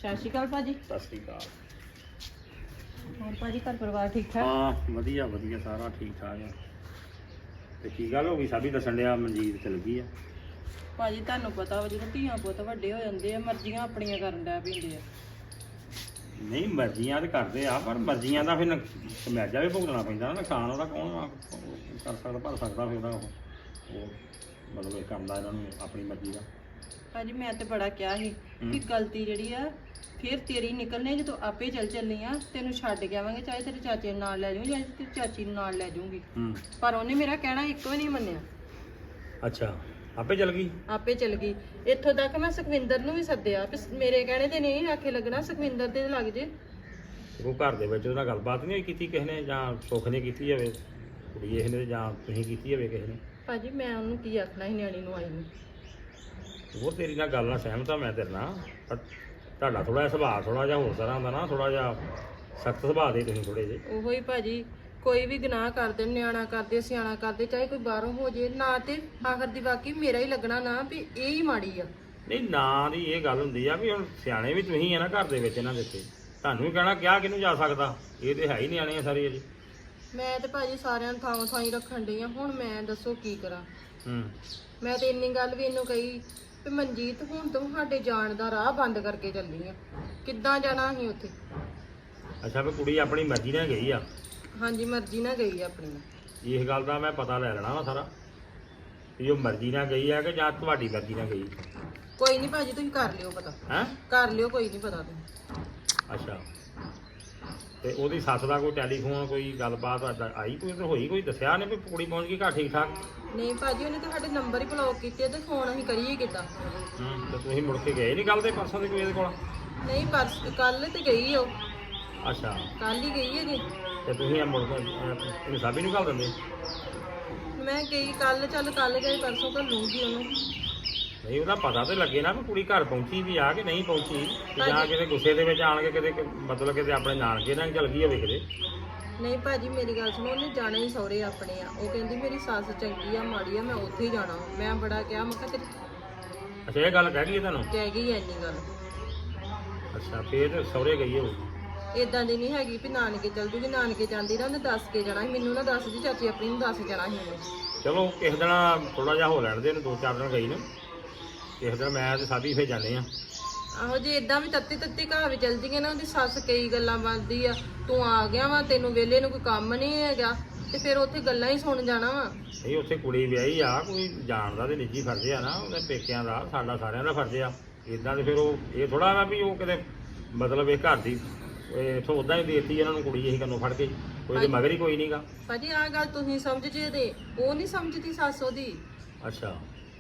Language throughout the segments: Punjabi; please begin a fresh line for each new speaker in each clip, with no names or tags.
ਸਤਿ ਸ਼੍ਰੀ ਅਕਾਲ ਭਾਜੀ।
ਸਤਿ ਸ਼੍ਰੀ ਅਕਾਲ।
ਹੋਰ ਭਾਜੀ ਘਰ ਪਰਿਵਾਰ ਠੀਕ ਠਾਕ?
ਹਾਂ ਵਧੀਆ ਵਧੀਆ ਸਾਰਾ ਠੀਕ ਠਾਕ ਆ। ਤੇ ਕੀ ਗੱਲ ਹੋ ਗਈ? ਸਾਬੀ ਦੱਸਣ ਡਿਆ ਮਨਜੀਤ ਚਲ ਗਈ ਆ।
ਭਾਜੀ ਤੁਹਾਨੂੰ ਪਤਾ ਵਾ ਜਦੋਂ ਧੀਆਂ ਪੁੱਤ ਵੱਡੇ ਹੋ ਜਾਂਦੇ ਆ ਮਰਜ਼ੀਆਂ ਆਪਣੀਆਂ ਕਰਨ ਲੱਗ ਪੈਂਦੇ ਆ।
ਨਹੀਂ ਮਰਜ਼ੀਆਂ ਤੇ ਕਰਦੇ ਆ, ਪਰ ਮਰਜ਼ੀਆਂ ਦਾ ਫਿਰ ਸਮੈਜਾ ਵੀ ਭੁਗਤਣਾ ਪੈਂਦਾ ਨਾ। ਨੁਕਸਾਨ ਉਹਦਾ ਕੌਣ ਕਰ ਸਕਦਾ, ਭਰ ਸਕਦਾ ਫਿਰ ਉਹਦਾ ਉਹ ਮਤਲਬ ਇਹ ਕਰਦਾ ਇਹਨਾਂ ਨੂੰ ਆਪਣੀ ਮਰਜ਼ੀ ਦਾ।
ਭਾਜੀ ਮੈਂ ਤੇ ਬੜਾ ਕਿਹਾ ਸੀ ਕਿ ਗਲਤੀ ਜਿਹੜੀ ਆ ਫਿਰ ਤੇਰੀ ਨਿਕਲਣੀ, ਜਦੋਂ ਆਪੇ ਚੱਲੀ ਆ ਤੈਨੂੰ ਛੱਡ ਕੇ ਆਵਾਂਗੇ, ਚਾਹੇ ਤੇਰੇ ਚਾਚੇ ਨੂੰ ਨਾਲ ਲੈ ਜਾਊਂ ਜਾਂ ਤੇਰੀ ਚਾਚੀ ਨੂੰ ਨਾਲ ਲੈ ਜਾਊਂਗੀ। ਪਰ ਉਹਨੇ ਮੇਰਾ ਕਹਿਣਾ ਇੱਕੋ ਵੀ ਨਹੀਂ ਮੰਨਿਆ।
ਅੱਛਾ ਆਪੇ ਚਲ ਗਈ?
ਆਪੇ ਚਲ ਗਈ। ਇੱਥੋਂ ਤੱਕ ਮੈਂ ਸੁਖਵਿੰਦਰ ਨੂੰ ਵੀ ਸੱਦਿਆ ਕਿ ਮੇਰੇ ਕਹਿਣੇ ਤੇ ਨਹੀਂ ਆਖੇ ਲੱਗਣਾ, ਸੁਖਵਿੰਦਰ ਤੇ ਲੱਗ ਜੇ।
ਉਹ ਘਰ ਦੇ ਵਿੱਚ ਉਹਦਾ ਗੱਲਬਾਤ ਨਹੀਂ ਕੀਤੀ ਕਿਸੇ ਨੇ, ਜਾਂ ਸੁੱਖ ਨੇ ਕੀਤੀ ਜਾਵੇ ਕੁੜੀ ਇਹ ਨੇ, ਜਾਂ ਤੁਸੀਂ ਕੀਤੀ ਜਾਵੇ ਕਿਸੇ ਨੇ?
ਭਾਜੀ ਮੈਂ ਉਹਨੂੰ ਕੀ ਆਖਣਾ ਸੀ ਨਿਆਣੀ ਨੂੰ ਆਈ ਨੂੰ।
ਉਹ ਤੇਰੀ ਨਾਲ ਗੱਲ ਨਾਲ ਸਹਿਮਤ ਆ ਮੈਂ ਤੇਰੇ ਨਾਲ, ਪਰ ਤੁਹਾਡਾ ਥੋੜਾ ਜਿਹਾ ਸੁਭਾਅ ਥੋੜਾ ਜਿਹਾ ਹੋਰ ਤਰ੍ਹਾਂ ਦਾ ਨਾ, ਥੋੜਾ ਜਿਹਾ ਸਖਤ ਸੁਭਾਅ ਦੇ ਤੁਸੀਂ ਥੋੜੇ ਜਿਹੇ।
ਉਹੋ ਹੀ ਭਾਜੀ, ਕੋਈ ਵੀ ਗੁਨਾਹ ਕਰਦੇ, ਨਿਆਣਾ ਕਰਦੇ, ਸਿਆਣਾ ਕਰਦੇ, ਚਾਹੇ ਕੋਈ ਬਾਹਰੋਂ ਹੋ ਜੇ ਨਾ, ਤੇ ਆਖਰ ਦੀ ਬਾਕੀ ਮੇਰਾ ਹੀ ਲੱਗਣਾ ਨਾ ਵੀ ਇਹ ਹੀ ਮਾੜੀ ਆ।
ਨਹੀਂ ਨਾਂ ਦੀ ਇਹ ਗੱਲ ਹੁੰਦੀ ਆ ਵੀ ਹੁਣ ਸਿਆਣੇ ਵੀ ਤੁਸੀਂ ਆ ਨਾ ਘਰ ਦੇ ਵਿੱਚ ਇਹਨਾਂ ਦੇ ਉੱਤੇ, ਤੁਹਾਨੂੰ ਵੀ ਕਹਿਣਾ ਕਿਹਾ ਕਿਹਨੂੰ ਜਾ ਸਕਦਾ, ਇਹ ਤੇ ਹੈ ਹੀ ਨਿਆਣੇ ਆ ਸਾਰੇ ਅਜੇ।
ਮੈਂ ਤੇ ਭਾਜੀ ਸਾਰਿਆਂ ਨੂੰ ਥਾਂ ਥਾਂ ਹੀ ਰੱਖਣ ਡਈ ਆ, ਹੁਣ ਮੈਂ ਦੱਸੋ ਕੀ ਕਰਾਂ। ਮੈਂ ਤੇ ਇੰਨੀ ਗੱਲ ਵੀ ਇਹਨੂੰ ਕਹੀ ਵੀ ਮਨਜੀਤ ਹੁਣ ਤੂੰ ਸਾਡੇ ਜਾਣ ਦਾ ਰਾਹ ਬੰਦ ਕਰਕੇ ਚੱਲੀ ਆ, ਕਿੱਦਾਂ ਜਾਣਾ ਅਸੀਂ ਉੱਥੇ।
ਅੱਛਾ ਵੀ ਕੁੜੀ ਆਪਣੀ ਮਰਜ਼ੀ ਨਾਲ ਗਈ ਆ?
ਹਾਂਜੀ ਮਰਜ਼ੀ ਨਾਲ ਗਈ ਆ ਆਪਣੀ ਨਾਲ।
ਇਸ ਗੱਲ ਦਾ ਮੈਂ ਪਤਾ ਲੈ ਲੈਣਾ ਵਾ ਸਾਰਾ ਵੀ ਉਹ ਮਰਜ਼ੀ ਨਾਲ ਗਈ ਆ ਕਿ ਜਾਂ ਤੁਹਾਡੀ ਮਰਜ਼ੀ ਨਾਲ ਗਈ?
ਕੋਈ ਨਹੀਂ ਭਾਜੀ ਤੁਸੀਂ ਕਰ ਲਿਓ ਪਤਾ।
ਹੈਂ?
ਕਰ ਲਿਓ, ਕੋਈ ਨਹੀਂ ਪਤਾ ਤੁਸੀਂ।
ਅੱਛਾ ਤੇ ਉਹਦੀ ਸੱਸ ਦਾ ਕੋਈ ਟੈਲੀਫੋਨ ਕੋਈ ਗੱਲਬਾਤ ਆਈ ਕੋਈ ਤੇ ਹੋਈ, ਕੋਈ ਦੱਸਿਆ ਨੇ ਵੀ ਕੁੜੀ ਪਹੁੰਚ ਗਈ ਘਰ ਠੀਕ ਠਾਕ?
ਨਹੀਂ ਭਾਜੀ ਉਹਨੇ ਤਾਂ ਸਾਡੇ ਨੰਬਰ ਹੀ ਬਲੌਕ ਕੀਤੇ ਤੇ ਫੋਨ ਅਸੀਂ ਕਰੀਏ ਕਿੱਦਾਂ।
ਤੇ ਤੁਸੀਂ ਮੁੜ ਕੇ ਗਏ ਨਹੀਂ ਕੱਲ ਦੇ ਪਰਸੋਂ ਦੇ ਕੋਈ ਇਹਦੇ ਕੋਲ?
ਨਹੀਂ ਕੱਲ ਤੇ ਗਈ ਉਹ।
ਅੱਛਾ
ਕੱਲ ਹੀ ਗਈ ਹੈ ਜੀ।
ਤੇ ਤੁਸੀਂ ਇਹ ਮੁੜ ਕੇ ਇਹਨੂੰ ਸਾਬੀ ਨੂੰ ਘੱਲ ਦਿੰਦੇ?
ਮੈਂ ਗਈ ਕੱਲ, ਚੱਲ ਕੱਲ ਗਏ ਪਰਸੋਂ ਘੱਲੂਗੀ ਉਹਨੂੰ।
ਨਹੀਂ ਉਹਦਾ ਪਤਾ ਤੇ ਲੱਗੇ ਨਾ ਵੀ ਕੁੜੀ ਘਰ ਪਹੁੰਚੀ ਵੀ ਆ ਕਿ ਨਹੀਂ ਪਹੁੰਚੀ, ਜਾਂ ਕਿਤੇ ਗੁੱਸੇ ਦੇ ਵਿੱਚ ਆਣ ਕੇ ਕਿਤੇ ਮਤਲਬ ਕਿਤੇ ਆਪਣੇ ਨਾਨਕੇ ਨਾਲ ਚਲ ਗਈ ਹੋਵੇ ਕਿਤੇ।
ਨਹੀਂ ਭਾਜੀ ਮੇਰੀ ਗੱਲ ਸੁਣੋ, ਉਹਨੇ ਜਾਣਾ ਹੀ ਸਹੁਰੇ ਆਪਣੇ ਆ। ਉਹ ਕਹਿੰਦੀ ਮੇਰੀ ਸੱਸ ਚੰਗੀ ਆ ਮਾੜੀ ਆ, ਮੈਂ ਉੱਥੇ ਹੀ ਜਾਣਾ। ਮੈਂ ਬੜਾ ਕਿਹਾ, ਮੈਂ ਕਿਹਾ ਤੇਰੀ
ਅੱਛਾ ਇਹ ਗੱਲ ਕਹਿ ਗਈ ਤੁਹਾਨੂੰ?
ਕਹਿ ਗਈ ਐ ਇੰਨੀ ਗੱਲ।
ਅੱਛਾ ਫੇਰ ਸਹੁਰੇ ਗਈ ਹੋਊਗੀ?
ਇਦਾਂ ਦੀ ਨਹੀਂ ਹੈਗੀ ਵੀ ਨਾਨਕੇ ਚੱਲ ਜੂਗੀ, ਨਾਨਕੇ ਜਾਂਦੀ ਨਾ ਉਹਨੇ ਦੱਸ ਕੇ ਜਾਣਾ ਸੀ ਮੈਨੂੰ, ਨਾ ਦੱਸਦੀ ਚਾਚੀ ਆਪਣੀ ਨੂੰ ਦੱਸ ਜਾਣਾ ਸੀ ਉਹਨੇ।
ਚਲੋ ਕਿਸੇ ਦਿਨ ਥੋੜਾ ਜਿਹਾ ਹੋ ਲੈਣ ਦੇ ਇਹਨੂੰ, 2-4 ਦਿਨ ਗਈ ਨੂੰ, ਕਿਸੇ ਦਿਨ ਮੈਂ ਤੇ ਸਾਬੀ ਫੇਰ ਜਾਂਦੇ ਆ।
ਆਹੋ ਜੇ ਇਦਾਂ ਵੀ ਤੱਤੀ ਘਰ ਵੀ ਚੱਲ ਜੀਗੇ ਨਾ, ਉਹਦੀ ਸੱਸ ਕਈ ਗੱਲਾਂ ਬਣਦੀ ਆ, ਤੂੰ ਆ ਗਿਆ ਵਾ ਤੈਨੂੰ ਵਿਹਲੇ ਨੂੰ ਕੋਈ ਕੰਮ ਨਹੀਂ ਹੈਗਾ, ਤੇ ਫਿਰ ਉੱਥੇ ਗੱਲਾਂ ਹੀ ਸੁਣ ਜਾਣਾ ਵਾ।
ਨਹੀਂ ਉੱਥੇ ਕੁੜੀ ਵਿਆਹੀ ਆ, ਕੋਈ ਜਾਣਦਾ ਤੇ ਨਿੱਜੀ ਫਰਜ਼ ਆ ਨਾ ਉਹਦੇ ਪੇਕਿਆਂ ਦਾ, ਸਾਡਾ ਸਾਰਿਆਂ ਦਾ ਫਰਜ਼ ਆ। ਇਦਾਂ ਤੇ ਫਿਰ ਉਹ ਇਹ ਥੋੜਾ ਵਾ ਵੀ ਉਹ ਕਿਤੇ ਮਤਲਬ ਇਹ ਘਰ ਦੀ ਇੱਥੋਂ ਉੱਦਾਂ ਹੀ ਦੇਤੀ ਇਹਨਾਂ ਨੂੰ ਕੁੜੀ, ਇਹੀ ਕੰਨੋਂ ਫੜ ਕੇ, ਕੋਈ ਤੇ ਮਗਰ ਹੀ ਕੋਈ ਨਹੀਂਗਾ।
ਭਾਜੀ ਆਹ ਗੱਲ ਤੁਸੀਂ ਸਮਝ ਜੇ ਤੇ ਉਹ ਨਹੀਂ ਸਮਝਦੀ ਸੱਸ ਉਹਦੀ।
ਅੱਛਾ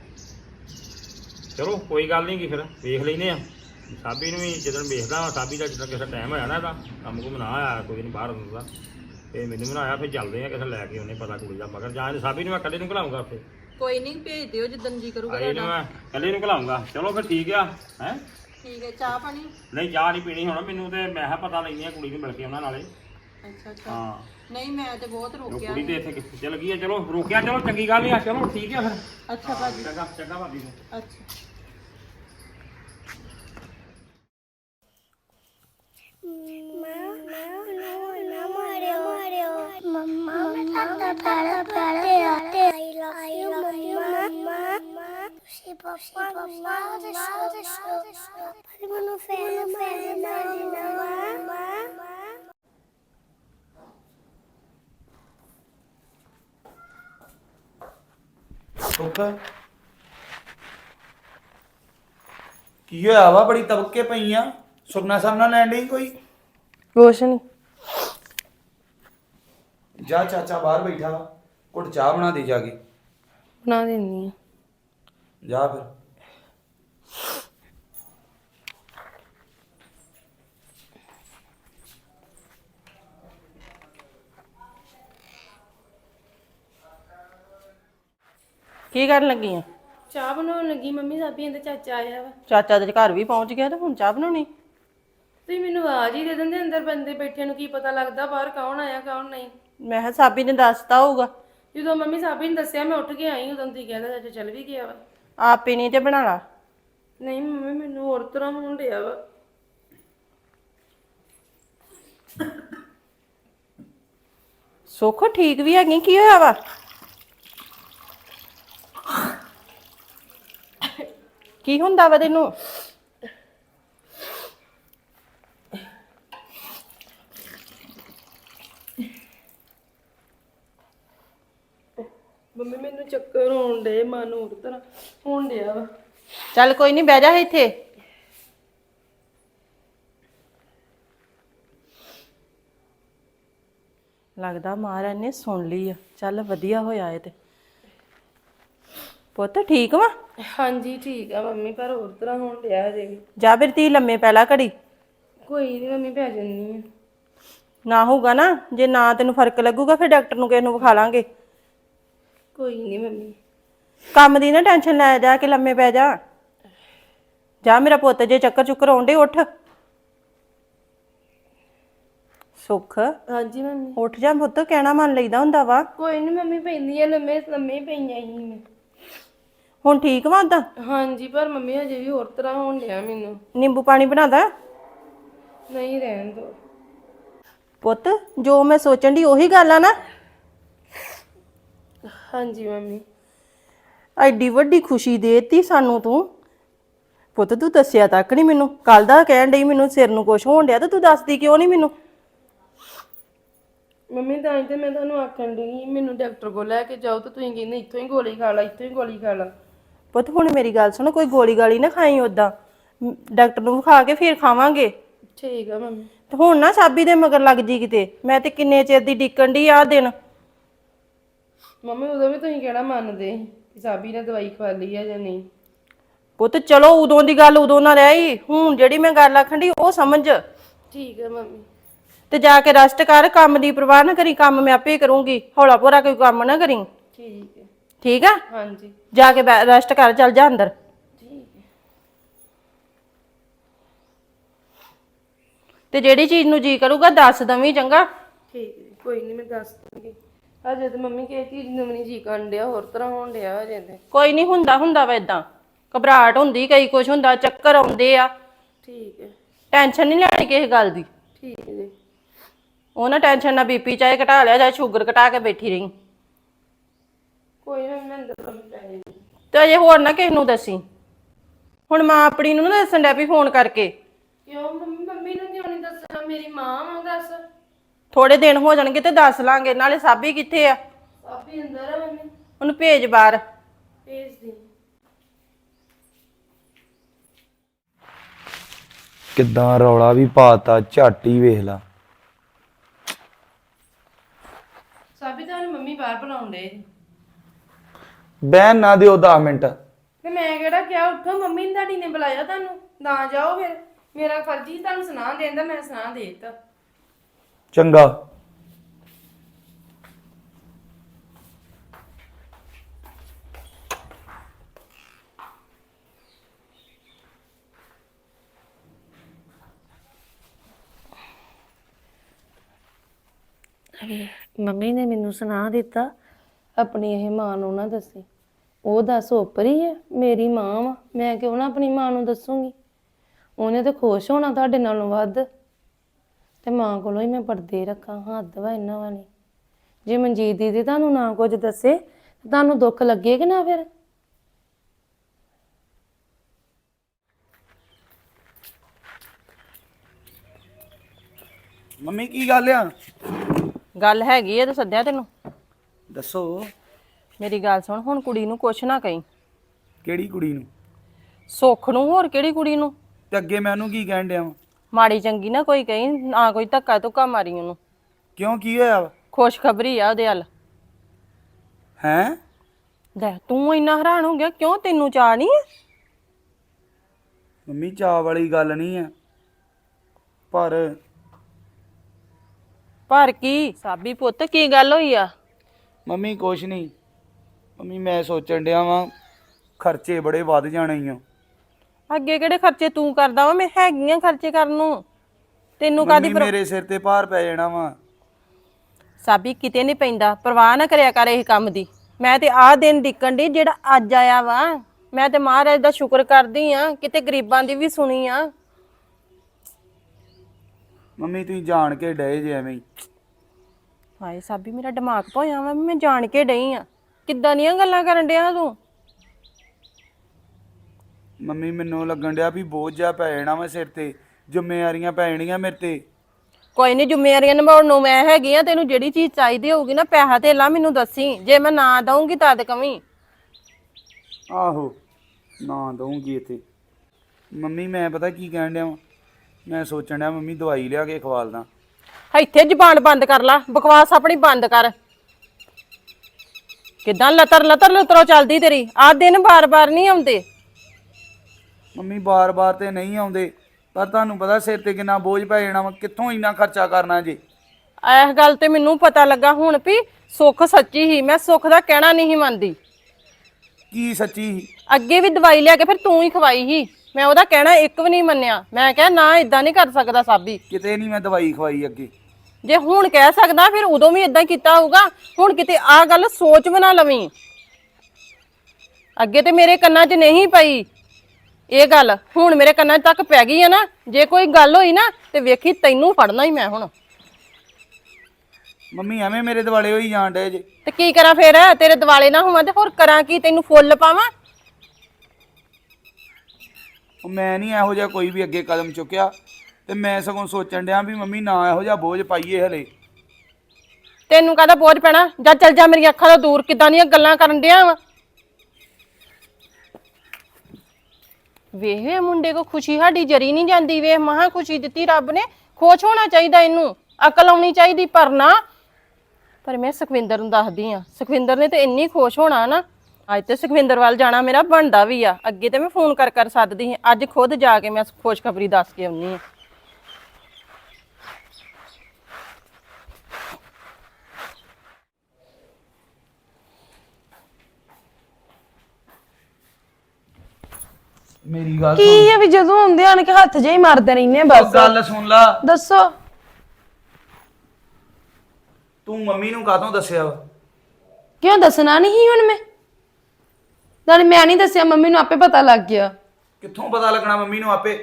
ਚਲੋ ਕੋਈ ਗੱਲ ਨਹੀਂ ਗੀ, ਫਿਰ ਵੇਖ ਲੈਨੇ ਆ ਸਾਬੀ ਨੂੰ ਵੀ। ਜਦੋਂ ਵੇਖਦਾ ਵਾ ਸਾਬੀ ਦਾ, ਜਦੋਂ ਕਿਸੇ ਟਾਈਮ ਹੋਇਆ ਨਾ ਇਹਦਾ ਕੰਮ ਕੁਮ ਨਾ ਆਇਆ ਕੋਈ ਨਹੀਂ ਬਾਹਰ ਹੁੰਦਾ, ਤੇ ਮੈਨੂੰ ਬਣਾਇਆ ਫਿਰ ਚੱਲਦੇ ਆ ਕਿਸੇ ਲੈ ਕੇ, ਉਹਨੇ ਪਤਾ ਕੁੜੀ ਦਾ ਮਗਰ। ਜਾਂ ਇਹਨੂੰ ਸਾਬੀ ਨੂੰ ਮੈਂ ਇਕੱਲੇ ਨੂੰ ਘਲਾਉਂਗਾ ਉੱਥੇ।
ਕੋਈ ਨਹੀਂ ਭੇਜ ਦਿਓ ਜਿੱਦਣ ਜੀ ਕਰੂਗਾ
ਇਹਨੂੰ ਮੈਂ ਇਕੱਲੇ ਨੂੰ ਘਲਾਉਂਗਾ। ਚਲੋ ਫਿਰ ਠੀਕ ਆ। ਹੈ
ਠੀਕ ਹੈ। ਚਾਹ ਪਾਣੀ?
ਨਹੀਂ ਚਾਹ ਨਹੀਂ ਪੀਣੀ ਹੁਣ ਮੈਨੂੰ, ਤੇ ਮੈਂ ਕਿਹਾ ਪਤਾ ਲੈਂਦੇ ਆ ਕੁੜੀ ਨੂੰ ਮਿਲ ਕੇ ਉਹਨਾਂ ਨਾਲੇ।
ਅੱਛਾ ਅੱਛਾ।
ਹਾਂ
ਨਹੀਂ ਮੈਂ ਤੇ ਬਹੁਤ ਰੋਕਿਆ
ਕੁੜੀ ਤੇ ਇੱਥੇ ਕਿੱਥੇ ਚਲ ਗਈ ਆ। ਚਲੋ ਰੋਕਿਆ, ਚਲੋ ਚੰਗੀ ਗੱਲ ਆ। ਚਲੋ ਠੀਕ ਆ ਫਿਰ।
ਅੱਛਾ ਭਾਜੀ।
ਚੰਗਾ ਚੰਗਾ ਭਾਬੀ ਨੂੰ।
ਅੱਛਾ
ਕੀ ਹੋਇਆ ਵਾ? ਬੜੀ ਤਬਕੇ ਪਈ ਆ, ਸੁਪਨਾ ਸਾਹਮਣਾ ਲੈਣ ਡਈ ਕੋਈ?
ਕੁਛ ਨਹੀਂ।
ਜਾ ਚਾਚਾ ਬਾਹਰ ਬੈਠਾ ਵਾ, ਘੁੱਟ ਚਾਹ ਬਣਾ ਦੇ ਜਾ ਕੇ।
ਬਣਾ ਦਿੰਨੀ ਆ।
ਜਾ ਫਿਰ।
ਕੀ ਕਰਨ ਲੱਗੀ ਆ?
ਚਾਹ ਬਣਾਉਣ ਲੱਗੀ ਮੰਮੀ। ਸਾਬੀ ਇਹਦਾ ਚਾਚਾ ਆਇਆ ਵਾ।
ਚਾਚਾ ਦੇ ਘਰ ਵੀ ਪਹੁੰਚ ਗਿਆ ਤੇ ਹੁਣ ਚਾਹ ਬਣਾਉਣੀ?
ਤੁਸੀਂ ਮੈਨੂੰ ਆਵਾਜ਼ ਹੀ ਦੇ ਦਿੰਦੇ, ਅੰਦਰ ਬੰਦੇ ਬੈਠੇ ਨੂੰ ਕੀ ਪਤਾ ਲੱਗਦਾ ਬਾਹਰ ਕੌਣ ਆਇਆ ਕੌਣ ਨਹੀਂ।
ਮੈਂ ਕਿਹਾ ਸਾਬੀ ਨੇ ਦੱਸਤਾ ਹੋਊਗਾ।
ਜਦੋਂ ਮੰਮੀ ਸਾਬੀ ਨੇ ਦੱਸਿਆ ਮੈਂ ਉੱਠ ਕੇ ਆਈ, ਉਦੋਂ ਤੁਸੀਂ ਕਹਿੰਦਾ ਚਾਚਾ ਚੱਲ ਵੀ ਗਿਆ ਵਾ।
ਆਪ ਹੀ ਨਹੀਂ ਤੇ ਬਣਾ ਲਾ।
ਨਹੀਂ ਮੰਮੀ ਮੈਨੂੰ ਹੋਰ ਤਰ੍ਹਾਂ ਹੋਣ ਡਿਆ ਵਾ।
ਸੁੱਖ ਠੀਕ ਵੀ ਹੈਗੀ, ਕੀ ਹੋਇਆ ਵਾ? ਕੀ ਹੁੰਦਾ ਵਾ ਤੈਨੂੰ?
ਮੰਮੀ ਮੈਨੂੰ ਚੱਕਰ ਹੋਣ ਡੇ, ਮਨ ਹੋਰ ਤਰ੍ਹਾਂ ਹੋਣ ਡਿਆ ਵਾ।
ਚੱਲ ਕੋਈ ਨਹੀਂ, ਬਹਿ ਜਾ ਇੱਥੇ। ਲੱਗਦਾ ਮਹਾਰਾਜ ਨੇ ਸੁਣ ਲਈ ਆ। ਚੱਲ ਵਧੀਆ ਹੋਇਆ ਇਹ ਤੇ। ਪੁੱਤ ਠੀਕ ਵਾ?
ਹਾਂਜੀ ਠੀਕ ਆ ਮੰਮੀ, ਪਰ ਹੋਰ ਤਰ੍ਹਾਂ ਹੋਣ ਡਿਆ ਹਜੇ ਵੀ।
ਜਾ ਫਿਰ ਤੀ ਲੰਮੇ ਪੈ ਲਾ ਘੜੀ।
ਕੋਈ ਨਹੀਂ ਮੰਮੀ, ਪੈ ਜੰਨੀ ਆ।
ਨਾ ਹੋਊਗਾ ਨਾ, ਜੇ ਨਾ ਤੈਨੂੰ ਫਰਕ ਲੱਗੂਗਾ ਫਿਰ ਡਾਕਟਰ ਨੂੰ ਕਿਸੇ ਨੂੰ ਵਿਖਾ ਲਾਂਗੇ।
ਕੋਈ ਨਹੀਂ ਮੰਮੀ।
ਕੰਮ ਦੀ ਨਾ ਟੈਨਸ਼ਨ ਲੈ, ਜਾ ਕੇ ਲੰਮੇ ਪੈ ਜਾ। ਜਾ ਮੇਰਾ ਪੁੱਤ, ਜੇ ਚੱਕਰ ਚੁੱਕਰ ਆਉਂਦੇ ਉੱਠ। ਸੁੱਖ
ਹਾਂਜੀ ਮੰਮੀ।
ਉੱਠ ਜਾ ਪੁੱਤ, ਕਹਿਣਾ ਮੰਨ ਲਈਦਾ ਹੁੰਦਾ ਵਾ।
ਕੋਈ ਨਹੀਂ ਮੰਮੀ, ਪੈਂਦੀ ਆ ਲੰਮੇ, ਲੰਮੇ ਹੀ ਪਈਆਂ ਸੀ ਮੈਂ।
ਹੁਣ ਠੀਕ ਵਾ ਉਦਾਂ?
ਹਾਂਜੀ, ਪਰ ਮੰਮੀ ਹਜੇ ਵੀ ਹੋਰ ਤਰ੍ਹਾਂ ਹੋਣ ਡਿਆ ਮੈਨੂੰ।
ਨਿੰਬੂ ਪਾਣੀ ਬਣਾਦਾ?
ਨਹੀਂ, ਰਹਿਣ ਦੋ।
ਪੁੱਤ ਜੋ ਮੈਂ ਸੋਚਣ ਦੀ ਉਹੀ ਗੱਲ ਆ ਨਾ?
ਹਾਂਜੀ ਮੰਮੀ।
ਐਡੀ ਵੱਡੀ ਖੁਸ਼ੀ ਦੇਤੀ ਸਾਨੂੰ ਤੂੰ। ਪੁੱਤ ਤੂੰ ਦੱਸਿਆ ਤੱਕ ਨਹੀਂ ਮੈਨੂੰ। ਕੱਲ ਦਾ ਕਹਿਣ ਡਈ ਮੈਨੂੰ ਸਿਰ ਨੂੰ ਕੁਛ ਹੋਣ ਡਿਆ, ਤੇ ਤੂੰ ਦੱਸਦੀ ਕਿਉਂ ਨਹੀਂ ਮੈਨੂੰ?
ਮੰਮੀ ਤਾਂ ਹੀ ਤੇ ਮੈਂ ਤੁਹਾਨੂੰ ਆਖਣ ਡਈ ਮੈਨੂੰ ਡਾਕਟਰ ਕੋਲ ਲੈ ਕੇ ਜਾਓ, ਤੇ ਤੁਸੀਂ ਕਹਿੰਦੇ ਇੱਥੋਂ ਹੀ ਗੋਲੀ ਖਾ ਲਾ, ਇੱਥੋਂ ਹੀ ਗੋਲੀ ਖਾ ਲਾ।
ਪੁੱਤ ਹੁਣ ਮੇਰੀ ਗੱਲ ਸੁਣ, ਕੋਈ ਗੋਲੀ ਗਾਲੀ ਨਾ ਖਾਈ ਉਦਾਂ। ਡਾਕਟਰ ਨੂੰ ਵਿਖਾ ਕੇ ਫਿਰ ਖਾਵਾਂਗੇ।
ਠੀਕ ਆ ਮੰਮੀ।
ਤੇ ਹੁਣ ਨਾ ਸਾਬੀ ਦੇ ਮਗਰ ਲੱਗ ਜੀ ਕਿਤੇ। ਮੈਂ ਤੇ ਕਿੰਨੇ ਚਿਰ ਦੀ ਡਿੱਕਣ ਦੀ ਆ ਦਿਨ।
ਮੰਮੀ ਉਦੋਂ ਵੀ ਤੁਸੀਂ ਕਿਹੜਾ ਮੰਨਦੇ ਕਿ ਸਾਬੀ ਨੇ ਦਵਾਈ ਖਵਾ ਲਈ ਆ ਜਾਂ ਨਹੀਂ?
ਪੁੱਤ ਚਲੋ, ਉਦੋਂ ਦੀ ਗੱਲ ਉਦੋਂ ਨਾ ਰਹੀ, ਹੁਣ ਜਿਹੜੀ ਮੈਂ ਗੱਲ ਆਖਣ ਦੀ ਉਹ ਸਮਝ।
ਠੀਕ ਆ ਮੰਮੀ।
ਤੇ ਜਾ ਕੇ ਰੈਸਟ ਕਰ, ਕੰਮ ਦੀ ਪਰਵਾਹ ਨਾ ਕਰੀ, ਕੰਮ ਮੈਂ ਆਪੇ ਕਰੂੰਗੀ। ਹੌਲਾ ਭੋਰਾ ਕੋਈ ਕੰਮ ਨਾ ਕਰੀ,
ਠੀਕ ਹੈ।
ਠੀਕ ਆ?
ਹਾਂਜੀ
ਜਾ ਕੇ ਰੈਸਟ ਕਰ, ਚੱਲ ਜਾ ਅੰਦਰ।
ਠੀਕ ਹੈ।
ਤੇ ਜਿਹੜੀ ਚੀਜ਼ ਨੂੰ ਜੀ ਕਰੂਗਾ ਦੱਸ ਦਵੀਂ, ਚੰਗਾ?
ਠੀਕ ਹੈ, ਕੋਈ ਨਹੀਂ ਮੈਂ ਦੱਸ ਦੂੰਗੀ। ਹਜੇ ਤੇ ਮੰਮੀ ਕਿਸੇ ਚੀਜ਼ ਨੂੰ ਵੀ ਨਹੀਂ ਜੀ ਕਰਨ ਡਿਆ, ਹੋਰ ਤਰ੍ਹਾਂ ਹੋਣ ਡਿਆ ਹਜੇ ਤੇ।
ਕੋਈ ਨਹੀਂ, ਹੁੰਦਾ ਵਾ ਏਦਾਂ। ਘਬਰਾਹਟ ਹੁੰਦੀ, ਕਈ ਕੁਛ ਹੁੰਦਾ, ਚੱਕਰ ਆਉਂਦੇ ਆ।
ਠੀਕ ਹੈ।
ਟੈਨਸ਼ਨ ਨਹੀਂ ਲੈਣੀ ਕਿਸੇ ਗੱਲ ਦੀ।
ਠੀਕ ਹੈ ਜੀ।
ਉਹ ਨਾ ਟੈਨਸ਼ਨ ਨਾ ਬੀਪੀ ਚਾਹੇ ਘਟਾ ਲਿਆ, ਚਾਹੇ ਸ਼ੂਗਰ ਘਟਾ ਕੇ ਬੈਠੀ ਰਹੀ।
ਕੋਈ ਨਾ, ਮੈਂ ਅੰਦਰ ਕੰਮ ਪੈ ਜਾਣੀ।
ਤੇ ਅਜੇ ਹੋਰ ਨਾ ਕਿਸੇ ਨੂੰ ਦੱਸੀ। ਹੁਣ ਮਾਂ ਆਪਣੀ ਨੂੰ ਨਾ ਦੱਸਣ ਡੈ ਪਈ ਫੋਨ ਕਰਕੇ।
ਕਿਉਂ ਮੰਮੀ? ਮੰਮੀ ਨੂੰ ਕਿਉਂ ਨਹੀਂ ਦੱਸਣਾ? ਮੇਰੀ ਮਾਂ ਵਾ, ਦੱਸ।
ਥੋੜੇ ਦਿਨ ਹੋ ਜਾਣਗੇ ਤੇ ਦੱਸ ਲਾਂਗੇ। ਨਾਲੇ ਸਾਬੀ ਕਿੱਥੇ ਆ?
ਸਾਬੀ ਅੰਦਰ ਆ ਮੰਮੀ।
ਉਹਨੂੰ ਭੇਜ ਬਾਹਰ।
ਭੇਜ ਦੇ।
ਕਿੱਦਾਂ ਰੌਲਾ ਵੀ ਪਾਤਾ, ਝੱਟ ਹੀ ਵੇਖ ਲਾ।
ਸਾਬੀ ਤੁਹਾਨੂੰ ਮੰਮੀ ਬਾਹਰ ਬੁਲਾਉਣ ਡੇ।
ਬਹਿਣ ਨਾ ਦਿਓ 10 ਮਿੰਟ।
ਤੇ ਮੈਂ ਕਿਹੜਾ ਕਿਹਾ ਉੱਠੋ? ਮੰਮੀ ਨੇ ਤੁਹਾਡੀ ਨੇ ਬੁਲਾਇਆ ਤੁਹਾਨੂੰ, ਨਾ ਜਾਓ ਫਿਰ। ਮੇਰਾ ਫਰਜ਼ ਹੀ ਤੁਹਾਨੂੰ ਸੁਣਾ ਦੇਣ ਦਾ, ਮੈਂ ਸੁਣਾ ਦੇ ਦਿੱਤਾ।
ਚੰਗਾ।
ਮੰਮੀ ਨੇ ਮੈਨੂੰ ਸੁਣਾ ਦਿੱਤਾ, ਆਪਣੀ ਇਹ ਮਾਂ ਨੂੰ ਨਾ ਦੱਸੀ। ਉਹ ਦੱਸ ਉੱਪਰੀ ਹੈ, ਮੇਰੀ ਮਾਂ ਵਾ, ਮੈਂ ਕਿਉਂ ਨਾ ਆਪਣੀ ਮਾਂ ਨੂੰ ਦੱਸੂਗੀ? ਉਹਨੇ ਤਾਂ ਖੁਸ਼ ਹੋਣਾ ਤੁਹਾਡੇ ਨਾਲੋਂ ਵੱਧ। ਤੇ ਮਾਂ ਕੋਲੋਂ ਹੀ ਮੈਂ ਪਰਦੇ ਰੱਖਾਂ, ਹੱਦ ਵਾ ਇਹਨਾਂ ਵਾਲੀ। ਜੇ ਮਨਜੀਤ ਦੀਦੀ ਤੁਹਾਨੂੰ ਨਾ ਕੁਝ ਦੱਸੇ ਤੁਹਾਨੂੰ ਦੁੱਖ ਲੱਗੇ ਕਿ ਨਾ? ਫਿਰ
ਮੰਮੀ ਕੀ ਗੱਲ ਆ?
ਗੱਲ ਹੈਗੀ ਆ ਤੇ ਸੱਦਿਆ ਤੈਨੂੰ।
ਦੱਸੋ।
ਮੇਰੀ ਗੱਲ ਸੁਣ, ਹੁਣ ਕੁੜੀ ਨੂੰ ਕੁਛ ਨਾ ਕਹੀਂ।
ਕਿਹੜੀ ਕੁੜੀ ਨੂੰ?
ਸੁੱਖ ਨੂੰ। ਹੋਰ ਕਿਹੜੀ ਕੁੜੀ ਨੂੰ?
ਤੇ ਅੱਗੇ ਮੈਂ ਉਹਨੂੰ ਕੀ ਕਹਿਣ ਡਿਆ ਵਾਂ?
ਮਾੜੀ ਚੰਗੀ ਨਾ ਕੋਈ ਕਹੀਂ, ਨਾ ਕੋਈ ਧੱਕਾ ਧੁੱਕਾ ਮਾਰੀ ਉਹਨੂੰ।
ਕਿਉਂ, ਕੀ ਹੋਇਆ ਵਾ?
ਖੁਸ਼ਖਬਰੀ ਆ ਉਹਦੇ ਵੱਲ।
ਹੈਂ?
ਲੈ ਤੂੰ ਇੰਨਾ ਹੈਰਾਨ ਹੋ ਗਿਆ ਕਿਉਂ? ਤੈਨੂੰ ਚਾਅ ਨਹੀਂ ਹੈ?
ਮੰਮੀ ਚਾਅ ਵਾਲੀ ਗੱਲ ਨਹੀਂ ਆ,
ਪਰ ਕੀ? ਸਾਬੀ ਪੁੱਤ ਕੀ ਗੱਲ ਹੋਈ ਆ?
ਮੰਮੀ ਕੁਛ ਨਹੀਂ। ਮੰਮੀ ਮੈਂ ਸੋਚਣ ਡਿਆ ਵਾਂ ਖਰਚੇ ਬੜੇ ਵੱਧ ਜਾਣੇ ਈ ਆ।
ਅੱਗੇ ਕਿਹੜੇ ਖਰਚੇ ਤੂੰ ਕਰਦਾ ਵਾ? ਮੈਂ ਹੈਗੀਆਂ ਖਰਚੇ ਕਰਨ ਨੂੰ। ਤੈਨੂੰ ਕਾਦੀ
ਮੰਮੀ ਮੇਰੇ ਸਿਰ ਤੇ ਭਾਰ ਪੈ ਜਾਣਾ ਵਾ।
ਸਾਬੀ ਕਿਤੇ ਨਹੀਂ ਪੈਂਦਾ, ਪਰਵਾਹ ਨਾ ਕਰਿਆ ਕਰ ਇਹ ਕੰਮ ਦੀ। ਮੈਂ ਤੇ ਆਹ ਦਿਨ ਡਿੱਕਣ ਦੀ ਜਿਹੜਾ ਅੱਜ ਆਇਆ ਵਾ। ਮੈਂ ਤੇ ਮਹਾਰਾਜ ਦਾ ਸ਼ੁਕਰ ਕਰਦੀ ਆ, ਕਿਤੇ ਗਰੀਬਾਂ ਦੀ ਵੀ ਸੁਣੀ ਆ।
ਮੰਮੀ ਤੁਸੀਂ ਜਾਣ ਕੇ ਡਏ ਜੇ ਐਵੇਂ ਹੀ।
ਹਾਏ ਸਾਬੀ ਮੇਰਾ ਦਿਮਾਗ ਭੋਇਆ ਵਾ ਮੈਂ ਜਾਣ ਕੇ ਡਈ ਆ। ਕਿੱਦਾਂ ਦੀਆਂ ਗੱਲਾਂ ਕਰਨ ਡਿਆ ਤੂੰ?
ਮੰਮੀ ਮੈਨੂੰ ਲੱਗਣ ਡਿਆ ਵੀ ਬੋਝ ਜਾ ਪੈ ਜਾਣਾ ਵਾ ਸਿਰ ਤੇ, ਜ਼ਿੰਮੇਵਾਰੀਆਂ ਪੈ ਜਾਣੀਆਂ ਮੇਰੇ ਤੇ।
ਕੋਈ ਨਹੀਂ, ਜ਼ਿੰਮੇਵਾਰੀਆਂ ਨਿਭਾਉਣ ਨੂੰ ਮੈਂ ਹੈਗੀ ਆ। ਤੈਨੂੰ ਜਿਹੜੀ ਚੀਜ਼ ਚਾਹੀਦੀ ਹੋਊਗੀ ਨਾ, ਪੈਸਾ ਧੇਲਾ ਮੈਨੂੰ ਦੱਸੀ। ਜੇ ਮੈਂ ਨਾ ਦਊਂਗੀ ਤਦ ਕਵੀਂ।
ਆਹੋ ਨਾ ਦਊਂਗੀ ਇੱਥੇ। ਮੰਮੀ ਮੈਂ ਪਤਾ ਕੀ ਕਹਿਣ ਡਿਆ ਵਾਂ, ਮੈਂ ਸੋਚਣ ਡਿਆ ਮੰਮੀ ਦਵਾਈ ਲਿਆ ਕੇ ਖਵਾਲਦਾ।
ਇੱਥੇ ਜ਼ਬਾਨ ਬੰਦ ਕਰ ਲਾ, ਬਕਵਾਸ ਆਪਣੀ ਬੰਦ ਕਰ। ਕਿੱਦਾਂ ਲਤਰ ਲਤਰ ਲਤਰੋ ਚੱਲਦੀ ਤੇਰੀ? ਆਹ ਦਿਨ ਬਾਰ-ਬਾਰ ਨਹੀਂ ਆਉਂਦੇ।
ਮੰਮੀ ਬਾਰ-ਬਾਰ ਤੇ ਨਹੀਂ ਆਉਂਦੇ, ਪਰ ਤੁਹਾਨੂੰ ਪਤਾ ਸਿਰ ਤੇ ਕਿੰਨਾ ਬੋਝ ਪੈ ਜਾਣਾ ਵਾ, ਕਿੱਥੋਂ ਇੰਨਾ ਖਰਚਾ ਕਰਨਾ ਜੀ।
ਇਸ ਗੱਲ ਤੇ ਮੈਨੂੰ ਪਤਾ ਲੱਗਾ ਹੁਣ ਵੀ ਸੁੱਖ ਸੱਚੀ ਹੀ। ਮੈਂ ਸੁੱਖ ਦਾ ਕਹਿਣਾ ਨਹੀਂ ਮੰਨਦੀ।
ਕੀ ਸੱਚੀ ਸੀ?
ਅੱਗੇ ਵੀ ਦਵਾਈ ਲਿਆ ਕੇ ਫਿਰ ਤੂੰ ਹੀ ਖਵਾਈ ਸੀ। ਮੈਂ ਉਹਦਾ ਕਹਿਣਾ ਇੱਕ ਵੀ ਨਹੀਂ ਮੰਨਿਆ। ਮੈਂ ਕਿਹਾ ਨਾ, ਇਦਾਂ ਨਹੀਂ ਕਰ ਸਕਦਾ ਸਾਬੀ।
ਕਿਤੇ ਨਹੀਂ ਮੈਂ ਦਵਾਈ ਖਵਾਈ ਅੱਗੇ।
ਜੇ ਹੁਣ ਕਹਿ ਸਕਦਾ ਫਿਰ ਉਦੋਂ ਵੀ ਇਦਾਂ ਕੀਤਾ ਹੋਊਗਾ। ਹੁਣ ਕਿਤੇ ਆਹ ਗੱਲ ਸੋਚ ਵੀ ਨਾ ਲਵੀਂ। ਅੱਗੇ ਤੇ ਮੇਰੇ ਕੰਨਾਂ 'ਚ ਨਹੀਂ ਪਈ ਇਹ ਗੱਲ, ਹੁਣ ਮੇਰੇ ਕੰਨਾਂ ਤੱਕ ਪੈ ਗਈ ਹੈ ਨਾ। ਜੇ ਕੋਈ ਗੱਲ ਹੋਈ ਨਾ ਤੇ ਵੇਖੀ ਤੈਨੂੰ ਫੜਨਾ ਹੀ ਮੈਂ ਹੁਣ।
ਮੰਮੀ ਐਵੇਂ ਮੇਰੇ ਦਿਵਾਲੇ ਹੋਈ ਜਾਣ ਡਏ ਜੇ।
ਤੇ ਕੀ ਕਰਾਂ ਫਿਰ? ਤੇਰੇ ਦਿਵਾਲੇ ਨਾ ਹੋਵਾਂ ਤੇ ਹੋਰ ਕਰਾਂ ਕੀ? ਤੈਨੂੰ ਫੁੱਲ ਪਾਵਾਂ?
ਉਹ ਮੈਂ ਨਹੀਂ ਇਹੋ ਜਿਹਾ ਕੋਈ ਵੀ ਅੱਗੇ ਕਦਮ ਚੁੱਕਿਆ, ਤੇ ਮੈਂ ਸਗੋਂ ਸੋਚਣ ਡਿਆ ਵੀ ਮੰਮੀ ਨਾ ਇਹੋ ਜਿਹਾ ਬੋਝ ਪਾਈਏ ਹਲੇ।
ਤੈਨੂੰ ਕਾਹਦਾ ਬੋਝ ਪੈਣਾ? ਜਾ ਚੱਲ ਜਾ ਮੇਰੀਆਂ ਅੱਖਾਂ ਤੋਂ ਦੂਰ। ਕਿੱਦਾਂ ਦੀਆਂ ਗੱਲਾਂ ਕਰਨ ਡਿਆ ਵਾ? ਵੇਖ ਮੁੰਡੇ ਕੋ ਖੁਸ਼ੀ ਸਾਡੀ ਜਰੀ ਨਹੀਂ ਜਾਂਦੀ। ਵੇਖ ਮਹਾ ਖੁਸ਼ੀ ਦਿੱਤੀ ਰੱਬ ਨੇ। ਖੁਸ਼ ਹੋਣਾ ਚਾਹੀਦਾ, ਇਹਨੂੰ ਅਕਲ ਆਉਣੀ ਚਾਹੀਦੀ। ਪਰ ਨਾ, ਪਰ ਮੈਂ ਸੁਖਵਿੰਦਰ ਨੂੰ ਦੱਸਦੀ ਆ। ਸੁਖਵਿੰਦਰ ਨੇ ਤੇ ਇੰਨੀ ਖੁਸ਼ ਹੋਣਾ ਨਾ। ਅੱਜ ਤੇ ਸੁਖਵਿੰਦਰ ਵੱਲ ਜਾਣਾ ਮੇਰਾ ਬਣਦਾ ਵੀ ਆ। ਅੱਗੇ ਤੇ ਮੈਂ ਫੋਨ ਕਰ ਕਰ ਸੱਦਦੀ ਸੀ, ਅੱਜ ਖੁਦ ਜਾ ਕੇ ਮੈਂ ਖੁਸ਼ਖਬਰੀ ਦੱਸ ਕੇ ਆਉਣੀ ਆ।
ਮੇਰੀ ਗੱਲ
ਕੀ ਹੈ ਵੀ ਜਦੋਂ ਆਉਂਦੇ ਆਣ ਕੇ ਹੱਥ ਜੇ ਹੀ ਮਾਰਦੇ ਰਹਿੰਦੇ ਆ ਬਸ।
ਗੱਲ ਸੁਣ ਲਾ।
ਦੱਸੋ।
ਤੂੰ ਮੰਮੀ ਨੂੰ ਕਾਹਤੋਂ ਦੱਸਿਆ ਵਾ?
ਕਿਉਂ ਦੱਸਣਾ ਨਹੀਂ ਹੁਣ ਮੈਂ? ਨਾਲੇ ਮੈਂ ਨਹੀਂ ਦੱਸਿਆ, ਮੰਮੀ ਨੂੰ ਆਪੇ ਪਤਾ ਲੱਗ ਗਿਆ।
ਕਿੱਥੋਂ ਪਤਾ ਲੱਗਣਾ ਮੰਮੀ ਨੂੰ ਆਪੇ?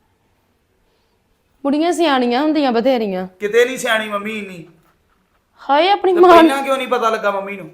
ਬੁੜੀਆਂ ਸਿਆਣੀਆਂ ਹੁੰਦੀਆਂ ਬਥੇਰੀਆਂ।
ਕਿਤੇ ਨਹੀਂ ਸਿਆਣੀ ਮੰਮੀ ਇੰਨੀ।
ਹਾਏ ਆਪਣੀ
ਤੇ
ਮਾਂ
ਪਹਿਲਾਂ ਕਿਉਂ ਨਹੀਂ ਪਤਾ ਲੱਗਾ ਮੰਮੀ ਨੂੰ?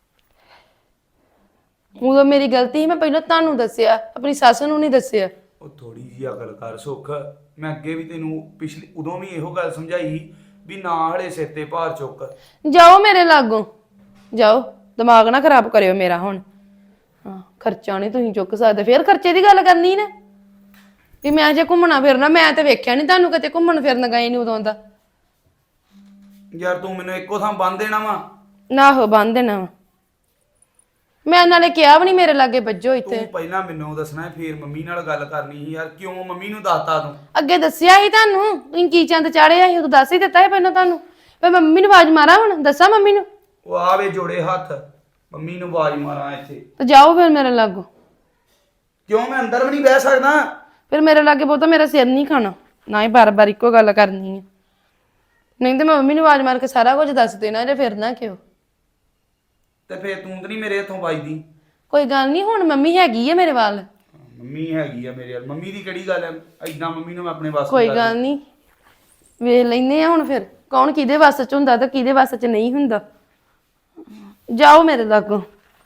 ਉਦੋਂ ਮੇਰੀ ਗਲਤੀ ਸੀ, ਮੈਂ ਪਹਿਲਾਂ ਤੁਹਾਨੂੰ ਦੱਸਿਆ, ਆਪਣੀ ਸੱਸ ਨੂੰ ਨਹੀਂ ਦੱਸਿਆ।
ਉਹ ਥੋੜੀ ਜਿਹੀ ਅਕਲ ਕਰ ਸੁੱਖ। ਮੈਂ ਅੱਗੇ ਵੀ ਤੈਨੂੰ ਪਿਛਲੀ ਉਦੋਂ ਵੀ ਇਹੋ ਗੱਲ ਸਮਝਾਈ ਵੀ ਨਾ ਹਲੇ ਸਿਰ ਤੇ ਭਾਰ ਚੁੱਕ।
ਜਾਓ ਮੇਰੇ ਲਾਗੋਂ, ਜਾਓ। ਦਿਮਾਗ ਨਾ ਖਰਾਬ ਕਰਿਓ ਮੇਰਾ ਹੁਣ। ਹਾਂ, ਖਰਚਾ ਨਹੀਂ ਤੁਸੀਂ ਚੁੱਕ ਸਕਦੇ। ਫੇਰ ਖਰਚੇ ਦੀ ਗੱਲ ਕਰਨੀ ਨਾ ਵੀ ਮੈਂ ਜੇ ਘੁੰਮਣਾ ਫਿਰਨਾ। ਮੈਂ ਤੇ ਵੇਖਿਆ ਨਹੀਂ ਤੁਹਾਨੂੰ ਕਿਤੇ ਘੁੰਮਣ ਫਿਰਨ ਗਏ ਨਹੀਂ ਉਦੋਂ ਦਾ।
ਯਾਰ ਤੂੰ ਮੈਨੂੰ ਇੱਕੋ ਥਾਂ ਬੰਨ ਦੇਣਾ ਵਾ?
ਨਾ ਹੋ ਬੰਨ ਦੇਣਾ ਵਾ। ਮੈਂ ਨਾਲੇ ਕਿਹਾ ਵੀ ਨਹੀਂ ਮੇਰੇ ਲਾਗੇ ਵੱਜੋ ਇੱਥੇ।
ਤੂੰ ਪਹਿਲਾਂ ਮੈਨੂੰ ਦੱਸਣਾ, ਫੇਰ ਮੰਮੀ ਨਾਲ ਗੱਲ ਕਰਨੀ ਸੀ ਯਾਰ। ਕਿਉਂ ਮੰਮੀ ਨੂੰ ਦੱਸਤਾ ਤੂੰ?
ਅੱਗੇ ਦੱਸਿਆ ਸੀ ਤੁਹਾਨੂੰ, ਤੁਸੀਂ ਕੀ ਚੰਦ ਚਾੜਿਆ ਸੀ, ਉਦੋਂ ਦੱਸ ਹੀ ਦਿੱਤਾ ਸੀ ਪਹਿਲਾਂ ਤੁਹਾਨੂੰ। ਫੇ ਮੰਮੀ ਨੂੰ ਆਵਾਜ਼ ਮਾਰਾਂ, ਹੁਣ ਦੱਸਾਂ ਮੰਮੀ ਨੂੰ?
ਉਹ ਆਵੇ ਜੋੜੇ ਹੱਥ, ਮੰਮੀ ਨੂੰ ਆਵਾਜ਼ ਮਾਰਾਂ ਇੱਥੇ।
ਤੇ ਜਾਓ ਫਿਰ ਮੇਰੇ ਲਾਗੋਂ।
ਕਿਉਂ ਮੈਂ ਅੰਦਰ ਵੀ ਨਹੀਂ ਬਹਿ ਸਕਦਾ?
ਫਿਰ ਮੇਰੇ ਲਾਗੇ ਬਹੁਤਾ ਮੇਰਾ ਸਿਰ ਨਹੀਂ ਖਾਣਾ, ਨਾ ਹੀ ਬਾਰ-ਬਾਰ ਇੱਕੋ ਗੱਲ ਕਰਨੀ ਹੈ। ਨਹੀਂ ਤੇ ਮੈਂ ਮੰਮੀ ਨੂੰ ਆਵਾਜ਼ ਮਾਰ ਕੇ ਸਾਰਾ ਕੁਝ ਦੱਸ ਦੇਣਾ ਜੇ ਫਿਰ ਨਾ ਕਿਉਂ।
ਤੇ ਫੇਰ ਤੂੰ ਤਾਂ ਨਹੀਂ ਮੇਰੇ ਹੱਥੋਂ ਵੱਜਦੀ।
ਕੋਈ ਗੱਲ ਨਹੀਂ, ਹੁਣ ਮੰਮੀ ਹੈਗੀ ਹੈ ਮੇਰੇ ਵੱਲ।
ਮੰਮੀ ਹੈਗੀ ਆ ਮੇਰੇ ਵੱਲ। ਮੰਮੀ ਦੀ ਕਿਹੜੀ ਗੱਲ ਹੈ? ਐਦਾਂ ਮੰਮੀ ਨੂੰ ਮੈਂ ਆਪਣੇ ਵਾਸਤੇ
ਕੋਈ ਗੱਲ ਨਹੀਂ, ਵੇਖ ਲੈਨੇ ਆ ਹੁਣ ਫਿਰ ਕੌਣ ਕਿਹਦੇ ਵੱਸ ਚ ਹੁੰਦਾ ਤੇ ਕਿਹਦੇ ਵੱਸ ਚ ਨਹੀਂ ਹੁੰਦਾ। ਜਾਓ ਮੇਰੇ ਲਾਗੋਂ।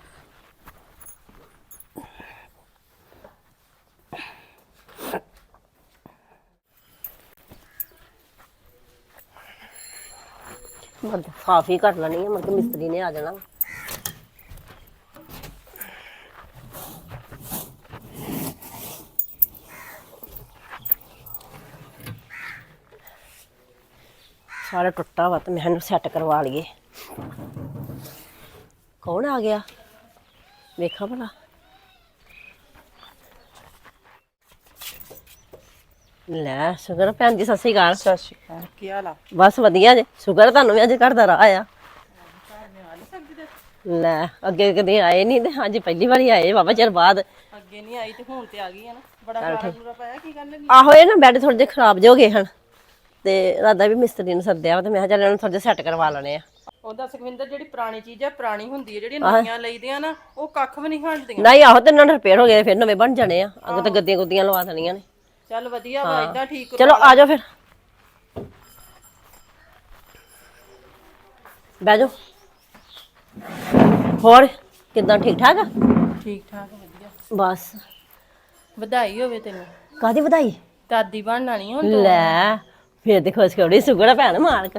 ਮੈਂ ਸਾਫ ਹੀ ਕਰ ਲੈਣੀ ਹੈ, ਮੁੜ ਮਿਸਤਰੀ ਨੇ ਆ ਜਾਣਾ। ਸਾਰਾ ਟੁੱਟਾ ਵਾ ਤੇ ਮੈਂ ਇਹਨੂੰ ਸੈੱਟ ਕਰਵਾ ਲਈਏ। ਕੌਣ ਆ ਗਿਆ ਵੇਖਾਂ ਭਲਾ। ਲੈ ਸ਼ੁਕਰ ਭੈਣ ਜੀ, ਸਤਿ ਸ਼੍ਰੀ ਅਕਾਲ।
ਸਤਿ ਸ਼੍ਰੀ ਅਕਾਲ, ਕੀ ਹਾਲ ਆ?
ਬਸ ਵਧੀਆ ਜੇ। ਸ਼ੁਕਰ ਤੁਹਾਨੂੰ ਵੀ ਅੱਜ ਘਰ ਦਾ ਰਾਹ ਆ। ਲੈ ਅੱਗੇ ਕਦੇ ਆਏ ਨਹੀਂ ਤੇ ਅੱਜ ਪਹਿਲੀ ਵਾਰੀ ਆਏ ਬਾਬਾ ਚਿਰ ਬਾਅਦ।
ਅੱਗੇ ਨਹੀਂ ਆਈ ਤੇ ਹੁਣ ਤੇ ਆ ਗਈ ਆ ਨਾ। ਬੜਾ ਗਾੜਾ ਗੂੜਾ ਪਾਇਆ, ਕੀ ਗੱਲ ਲੱਗੀ?
ਆਹੋ ਇਹ ਨਾ ਬੈੱਡ ਥੋੜੇ ਜਿਹੇ ਖਰਾਬ ਜਿਹੇ ਹੋ ਗਏ ਹਨ ਤੇ ਰਾਦਾ ਵੀ ਮਿਸਤਰੀ ਨੂੰ ਸੱਦਿਆ ਵਾ ਤੇ ਮੈਂ ਕਿਹਾ ਚੱਲ ਇਹਨੂੰ ਥੋੜੇ ਜਿਹੇ ਸੈੱਟ ਕਰਵਾ ਲੈਣੇ ਆ।
ਉਹਦਾ ਸੁਖਵਿੰਦਰ, ਜਿਹੜੀ ਪੁਰਾਣੀ ਚੀਜ਼ ਆ ਪੁਰਾਣੀ ਹੁੰਦੀ ਹੈ, ਜਿਹੜੀਆਂ ਨਵੀਆਂ ਲਈਦੀਆਂ ਨਾ ਉਹ ਕੱਖ ਵੀ ਨਹੀਂ ਹਟਦੀਆਂ।
ਨਹੀਂ ਆਹੋ ਤੇ ਇਹਨਾਂ ਦੇ ਰਿਪੇਅਰ ਹੋ ਗਏ ਫਿਰ ਨਵੇਂ ਬਣ ਜਾਣੇ ਆ। ਅੱਗੇ ਤਾਂ ਗੱਦੀਆਂ ਗੁੱਦੀਆਂ ਲਵਾ ਦੇਣੀਆਂ ਨੇ।
ਚੱਲ ਵਧੀਆ ਵਾ, ਇਦਾਂ ਠੀਕ।
ਚਲੋ ਆ ਜਾਓ ਫਿਰ। ਬਹਿ ਜਾਓ। ਹੋਰ ਕਿੱਦਾਂ, ਠੀਕ ਠਾਕ ਆ?
ਠੀਕ ਠਾਕ ਵਧੀਆ।
ਬਸ
ਵਧਾਈ ਹੋਵੇ ਤੈਨੂੰ,
ਕਾਹਦੀ ਵਧਾਈ?
ਦਾਦੀ ਬਣਨਾ ਨਹੀਂ ਹੁਣ।
ਲੈ ਫੇਰ ਤੇ ਖੁਸ਼ਖਬਰੀ ਸੁਗੜਾ ਭੈਣ ਮਾਲਕ।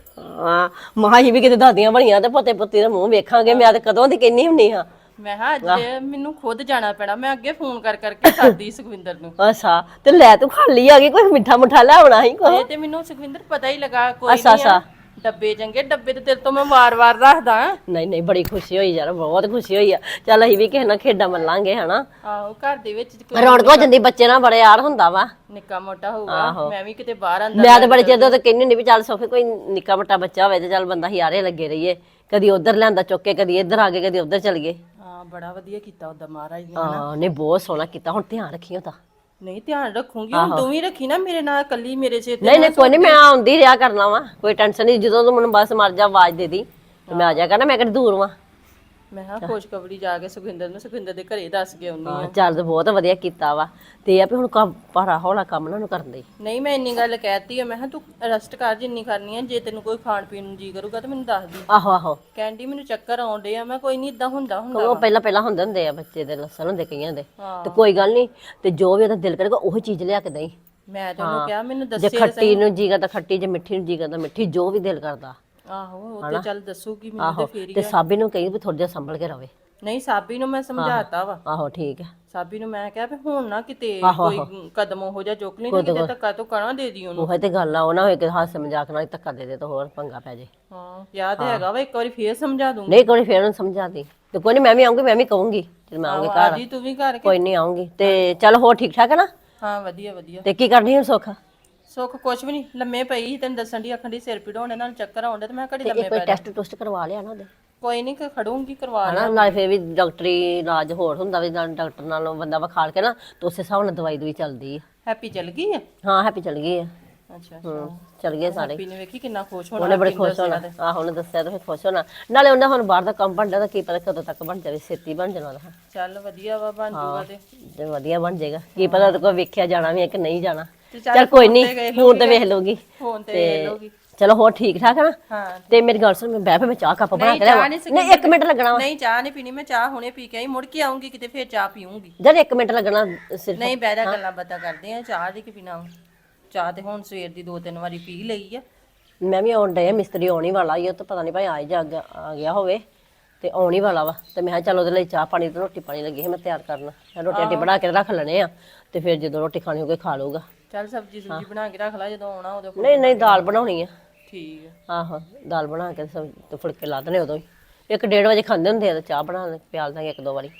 ਹਾਂ ਮਾਂ ਹੀ ਵੀ ਕਿਤੇ ਦਾਦੀਆਂ ਬਣੀਆਂ ਤੇ ਪੋਤੇ ਪੁੱਤੀ ਦਾ ਮੂੰਹ ਵੇਖਾਂਗੇ। ਮੈਂ ਤੇ ਕਦੋਂ ਦੀ ਕਹਿੰਨੀ ਹੁੰਨੀ ਹਾਂ।
ਮੈਂ ਕਿਹਾ ਅੱਜ ਮੈਨੂੰ ਖੁਦ ਜਾਣਾ ਪੈਣਾ। ਮੈਂ ਅੱਗੇ ਫੋਨ ਕਰਕੇ ਸਾਦੀ ਸੁਖਵਿੰਦਰ ਨੂੰ।
ਅੱਛਾ ਤੇ ਲੈ ਤੂੰ ਖਾਲੀ ਆ ਗਈ, ਕੋਈ ਮਿੱਠਾ ਮੁੱਠਾ ਲਿਆਉਣਾ ਸੀ ਕੋਈ।
ਇਹ ਤੇ ਮੈਨੂੰ ਸੁਖਵਿੰਦਰ ਪਤਾ ਹੀ ਲੱਗਾ। ਕੋਈ
ਅੱਛਾ,
ਨਹੀਂ ਆ ਡੱਬੇ ਚੰਗੇ, ਡੱਬੇ ਤੇ ਤੇਰੇ ਤੋਂ ਮੈਂ ਵਾਰ-ਵਾਰ ਰੱਖਦਾ।
ਨਹੀਂ ਨਹੀਂ ਬੜੀ ਖੁਸ਼ੀ ਹੋਈ ਯਾਰ, ਬਹੁਤ ਖੁਸ਼ੀ ਹੋਈ ਆ। ਚੱਲ ਅਸੀਂ ਵੀ ਕਿਸੇ ਨਾਲ ਖੇਡਾਂ ਮੱਲਾਂਗੇ ਹਨਾ।
ਆਹੋ ਘਰ ਦੇ ਵਿੱਚ ਕੋਈ
ਰੌਣਕ ਹੋ ਜਾਂਦੀ, ਬੱਚੇ ਨਾਲ ਬੜੇ ਯਾਰ ਹੁੰਦਾ ਵਾ।
ਨਿੱਕਾ ਮੋਟਾ ਹੋਊਗਾ। ਮੈਂ ਵੀ ਕਿਤੇ ਬਾਹਰ ਅੰਦਰ
ਮੈਂ ਤਾਂ ਬੜੇ ਚਿਰ ਤੋਂ ਕਹਿੰਦੀ ਹੁੰਦੀ ਵੀ ਚੱਲ ਸੋਫੇ ਕੋਈ ਨਿੱਕਾ ਮੋਟਾ ਬੱਚਾ ਹੋਵੇ ਤੇ ਚੱਲ ਬੰਦਾ ਹਿਆਰੇ ਲੱਗੇ ਰਹੀਏ। ਕਦੀ ਉਧਰ ਲਿਆਂਦਾ ਚੁੱਕ ਕੇ, ਕਦੀ ਇੱਧਰ ਆ ਗਏ, ਕਦੀ ਉਧਰ ਚਲ ਗਏ।
ਹਾਂ ਬੜਾ ਵਧੀਆ ਕੀਤਾ ਉਹਦਾ ਮਹਾਰਾਜ ਨੇ।
ਹਾਂ ਨਹੀਂ ਬਹੁਤ ਸੋਹਣਾ ਕੀਤਾ। ਹੁਣ ਧਿਆਨ ਰੱਖੀਓ ਤਾਂ।
ਨਹੀਂ ਧਿਆਨ ਰੱਖੂਗੀ। ਹੁਣ ਤੂੰ ਵੀ ਰੱਖੀ ਨਾ ਮੇਰੇ ਨਾਲ, ਕੱਲੀ ਮੇਰੇ ਸਿਰ ਤੇ।
ਨਹੀਂ ਨਹੀਂ ਕੋਈ ਨਹੀਂ, ਮੈਂ ਆਉਂਦੀ ਰਿਹਾ ਕਰਨਾ ਵਾ, ਕੋਈ ਟੈਨਸ਼ਨ ਨਹੀਂ। ਜਦੋਂ ਤੂੰ ਮੈਨੂੰ ਬਸ ਮਰ ਜਾ ਆਵਾਜ਼ ਦੇ ਦੀ ਤੇ ਮੈਂ ਆ ਜਾ ਕਰਨਾ। ਮੈਂ ਕਿਹੜੀ ਦੂਰ ਵਾਂ।
ਮੈਂ ਕਿਹਾ ਖੁਸ਼ਖਬਰੀ ਜਾ ਕੇ ਸੁਖਵਿੰਦਰ ਦੇ ਘਰੇ ਦੱਸ ਕੇ ਆਉਣੀ ਆ।
ਚੱਲ ਤੇ ਬਹੁਤ ਵਧੀਆ ਕੀਤਾ ਵਾ। ਤੇ ਇਹ ਆ ਵੀ ਹੁਣ ਕੰਮ ਭਾਰਾ ਹੌਲਾ ਕੰਮ ਨਾ ਨੂੰ ਕਰਨ ਦੇ।
ਨਹੀਂ ਮੈਂ ਇੰਨੀ ਗੱਲ ਕਹਿਤੀ ਆ। ਮੈਂ ਕਿਹਾ ਤੂੰ ਰੈਸਟ ਕਰ ਜਿੰਨੀ ਕਰਨੀ ਆ। ਜੇ ਤੈਨੂੰ ਕੋਈ ਖਾਣ ਪੀਣ ਨੂੰ ਜੀ ਕਰੂਗਾ ਤਾਂ ਮੈਨੂੰ ਦੱਸ ਦੀ।
ਆਹੋ ਆਹੋ
ਕਹਿੰਦੀ ਮੈਨੂੰ ਚੱਕਰ ਆਉਂਦੇ ਆ। ਮੈਂ ਕੋਈ ਨਹੀਂ, ਇਦਾਂ ਹੁੰਦਾ
ਉਹ ਪਹਿਲਾਂ ਹੁੰਦੇ ਹੁੰਦੇ ਆ, ਬੱਚੇ ਦੇ ਲੱਸਣ ਹੁੰਦੇ ਕਈਆਂ ਦੇ। ਤੇ ਕੋਈ ਗੱਲ ਨਹੀਂ, ਤੇ ਜੋ ਵੀ ਉਹਦਾ ਦਿਲ ਕਰੇਗਾ ਉਹੀ ਚੀਜ਼ ਲਿਆ ਕੇ ਦੇਈ।
ਮੈਂ ਤਾਂ ਉਹਨੂੰ ਕਿਹਾ ਮੈਨੂੰ
ਜੇ
ਦੱਸੇ।
ਖੱਟੀ ਨੂੰ ਜੀ ਕਰਦਾ ਖੱਟੀ, ਜੇ ਮਿੱਠੀ ਨੂੰ ਜੀ ਕਰਦਾ ਮਿੱਠੀ, ਜੋ ਵੀ ਦਿਲ ਕਰਦਾ।
ਆਹੋ ਉਹ ਤੇ ਚੱਲ ਦੱਸੂਗੀ ਮੈਨੂੰ ਤੇ
ਆਹੋ
ਫੇਰ ਹੀ
ਤੇ ਸਾਬੀ ਨੂੰ ਕਹੀ ਵੀ ਥੋੜਾ ਜਿਹਾ ਸੰਭਲ ਕੇ ਰਵੇ।
ਨਹੀਂ ਸਾਬੀ ਨੂੰ ਮੈਂ ਸਮਝਾਤਾ ਵਾ।
ਆਹੋ ਠੀਕ ਹੈ।
ਸਾਬੀ ਨੂੰ ਮੈਂ ਕਿਹਾ ਵੀ ਹੁਣ ਨਾ ਕਿਤੇ ਕੋਈ ਕਦਮ ਉਹੋ ਜਿਹਾ ਚੁੱਕ ਲਈ ਨਾ, ਕਿਤੇ ਧੱਕਾ ਤੋਂ ਕਣਾ ਦੇ ਦੀ ਉਹਨੂੰ।
ਉਹ ਤੇ ਗੱਲ ਆ, ਉਹ ਨਾ ਹੋਏ ਕਿ ਹਾਸੇ ਮਜ਼ਾਕ ਨਾਲ ਹੀ ਧੱਕਾ ਦੇ ਦੇ ਤਾਂ ਹੋਰ ਪੰਗਾ ਪੈ ਜੇ।
ਹਾਂ ਯਾਦ ਹੈਗਾ ਵਾ, ਇੱਕ ਵਾਰੀ ਫੇਰ ਸਮਝਾ ਦੂੰਗੀ।
ਨਹੀਂ ਕੋਈ ਨੀ, ਫੇਰ ਉਹਨੂੰ ਸਮਝਾ ਦੀ। ਤੇ ਕੋਈ ਨਹੀਂ, ਮੈਂ ਵੀ ਆਉਂਗੀ, ਮੈਂ ਵੀ ਕਹੂੰਗੀ ਜਦੋਂ ਮੈਂ ਆਉਂਗੀ ਘਰ।
ਜੀ ਤੂੰ ਵੀ ਘਰ ਕੇ।
ਕੋਈ ਨਹੀਂ ਆਉਂਗੀ। ਤੇ ਚੱਲ ਹੋਰ ਠੀਕ ਠਾਕ ਹੈ ਨਾ?
ਹਾਂ ਵਧੀਆ ਵਧੀਆ।
ਤੇ ਕੀ ਕਰਨੀ ਹੁਣ ਸੁੱਖ?
ਸੁੱਖ ਕੁਛ ਵੀ ਨਹੀਂ, ਲੰਮੇ ਪਈ ਸੀ। ਤੈਨੂੰ ਦੱਸਣ ਦੀ ਅੱਖਾਂ ਦੀ ਸਿਰ ਪੀੜ ਹੋਣੇ ਨਾਲ ਚੱਕਰ ਆਉਂਦੇ ਤੇ ਮੈਂ ਘੜੀ ਲੰਮੇ
ਕੋਈ
ਪੈ
ਟੈਸਟ ਟੁਸਟ ਕਰਵਾ ਲਿਆ ਨਾ ਉਹਦੇ?
ਕੋਈ ਨਹੀਂ ਖੜੂੰਗੀ, ਕਰਵਾ
ਹਨਾ ਨਾਲ ਫੇਰ ਵੀ ਡਾਕਟਰੀ ਇਲਾਜ ਹੋਰ ਹੁੰਦਾ ਵੀ, ਨਾਲ ਡਾਕਟਰ ਨਾਲੋਂ ਬੰਦਾ ਵਿਖਾਲ ਕੇ ਨਾ ਤੇ ਉਸੇ ਹਿਸਾਬ ਨਾਲ ਦਵਾਈ ਚੱਲਦੀ ਆ।
ਹੈਪੀ ਚੱਲ ਗਈ ਆ?
ਹਾਂ ਹੈਪੀ ਚਲ ਗਈ ਆ।
ਅੱਛਾ
ਚਲ ਗਏ ਸਾਰੇ।
ਹੈਪੀ ਨੇ ਵੇਖੀ ਕਿੰਨਾ ਖੁਸ਼ ਹੋਣਾ।
ਉਹਨੇ ਬੜੇ ਖੁਸ਼ ਹੋਣਾ। ਆਹੋ ਉਹਨੇ ਦੱਸਿਆ ਤਾਂ ਫਿਰ ਖੁਸ਼ ਹੋਣਾ। ਨਾਲੇ ਉਹਨੇ ਹੁਣ ਬਾਹਰ ਦਾ ਕੰਮ ਬਣਦਾ ਤਾਂ ਕੀ ਪਤਾ ਕਦੋਂ ਤੱਕ ਬਣ ਜਾਵੇ, ਛੇਤੀ ਬਣ ਜਾਣਾ ਉਹਦਾ।
ਚੱਲ ਵਧੀਆ ਵਾ, ਬਣ ਜੂਗਾ
ਤੇ ਵਧੀਆ ਬਣ ਜਾਏਗਾ। ਕੀ ਪਤਾ ਉਹਦੇ ਕੋਲ ਵੇਖਿਆ ਜਾਣਾ ਵੀ ਹੈ ਕਿ ਨਹੀਂ ਜਾਣਾ।
ਤੇ
ਚੱਲ ਕੋਈ ਨਹੀਂ, ਹੁਣ ਤੇ ਵੇਖ ਲਊਗੀ।
ਫੋਨ ਤੇ ਵੇਖ ਲਊਗੀ।
ਚਲੋ ਹੋਰ ਠੀਕ ਠਾਕ ਹੈ ਨਾ?
ਹਾਂ
ਤੇ ਮੇਰੀ ਗੱਲ ਸੁਣ, ਮੈਂ ਬਹਿ ਪੇ ਮੈਂ ਚਾਹ ਕੱਪ ਬਣਾ ਕੇ ਲਿਆਵਾਂ। ਨਹੀਂ 1 ਮਿੰਟ ਲੱਗਣਾ ਵਾ।
ਨਹੀਂ ਚਾਹ ਨਹੀਂ ਪੀਣੀ ਮੈਂ, ਚਾਹ ਹੁਣੇ ਪੀ ਕੇ ਆਈ, ਮੁੜ ਕੇ ਆਉਂਗੀ ਕਿਤੇ ਫੇਰ ਚਾਹ ਪੀਉਂਗੀ।
ਜਦ 1 ਮਿੰਟ ਲੱਗਣਾ ਸਿਰਫ।
ਨਹੀਂ ਬਹਿ ਜਾ, ਗੱਲਾਂ ਬਾਤਾਂ ਕਰਦੇ ਆ। ਚਾਹ ਦੀ ਕੀ ਪੀਣਾ? ਚਾਹ ਤੇ ਹੁਣ ਸਵੇਰ ਦੀ 2-3 ਵਾਰੀ ਪੀ ਲਈ ਆ।
ਮੈਂ ਵੀ ਆਉਣ ਡਿਆ, ਮਿਸਤਰੀ ਆਉਣ ਹੀ ਵਾਲਾ ਹੀ, ਉਹ ਤਾਂ ਪਤਾ ਨਹੀਂ ਭਾਈ ਆ ਗਿਆ ਹੋਵੇ ਤੇ ਆਉਣ ਹੀ ਵਾਲਾ ਵਾ। ਤੇ ਮੈਂ ਕਿਹਾ ਚੱਲ ਉਹਦੇ ਲਈ ਚਾਹ ਪਾਣੀ ਤੇ ਰੋਟੀ ਪਾਣੀ ਲੱਗੀ ਸੀ ਮੈਂ ਤਿਆਰ ਕਰਨ। ਰੋਟੀ ਰਾਟੀ ਬਣਾ ਕੇ ਰੱਖ ਲੈਣੇ ਆ ਤੇ ਫਿਰ ਜਦੋਂ ਰੋਟੀ ਖਾਣੀ ਹੋਵੇ ਖਾ ਲਊਗਾ।
ਚੱਲ ਸਬਜ਼ੀ ਸੁਬਜ਼ੀ ਬਣਾ ਕੇ ਰੱਖ ਲੈ, ਜਦੋਂ ਆਉਣਾ ਉਦੋਂ।
ਨਹੀਂ ਨਹੀਂ ਦਾਲ ਬਣਾਉਣੀ ਆ।
ਠੀਕ ਆ।
ਆਹੋ ਦਾਲ ਬਣਾ ਕੇ ਤੇ ਫੁਲਕੇ ਲਾ ਦੇਣੇ ਉਦੋਂ ਹੀ। 1-1:30 ਵਜੇ ਖਾਂਦੇ ਹੁੰਦੇ ਆ ਤੇ ਚਾਹ ਬਣਾ ਪਿਆਲ ਦਾਂਗੇ 1-2 ਵਾਰੀ।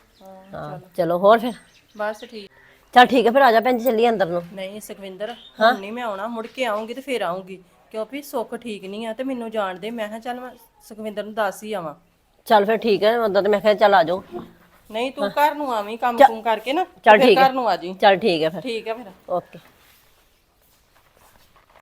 ਹਾਂ ਚਲੋ ਹੋਰ ਫਿਰ?
ਬਸ ਠੀਕ।
ਚੱਲ ਠੀਕ ਹੈ ਫਿਰ ਆ ਜਾ ਭੈਣ ਜੀ, ਚੱਲੀਏ ਅੰਦਰ ਨੂੰ।
ਨਹੀਂ ਸੁਖਵਿੰਦਰ ਹੁਣ ਨਹੀਂ ਮੈਂ ਆਉਣਾ, ਮੁੜ ਕੇ ਆਉਂਗੀ ਤੇ ਫੇਰ ਆਉਂਗੀ, ਕਿਉਂਕਿ ਸੁੱਖ ਠੀਕ ਨਹੀਂ ਆ ਤੇ ਮੈਨੂੰ ਜਾਣ ਦੇ। ਮੈਂ ਕਿਹਾ ਚੱਲ ਮੈਂ ਸੁਖਵਿੰਦਰ ਨੂੰ ਦੱਸ ਹੀ ਆਵਾਂ।
ਚੱਲ ਫਿਰ ਠੀਕ ਹੈ, ਉਦੋਂ ਤੇ ਮੈਂ ਕਿਹਾ ਚੱਲ ਆ ਜਾਓ।
ਨਹੀਂ ਤੂੰ ਘਰ ਨੂੰ ਆਵੀਂ ਕੰਮ ਕੁਮ ਕਰਕੇ ਨਾ,
ਚੱਲ
ਫਿਰ
ਠੀਕ ਹੈ।
ਘਰ ਨੂੰ ਆ ਜੀ।
ਚੱਲ ਠੀਕ ਹੈ ਫਿਰ।
ਠੀਕ ਹੈ ਫਿਰ।
ਓਕੇ।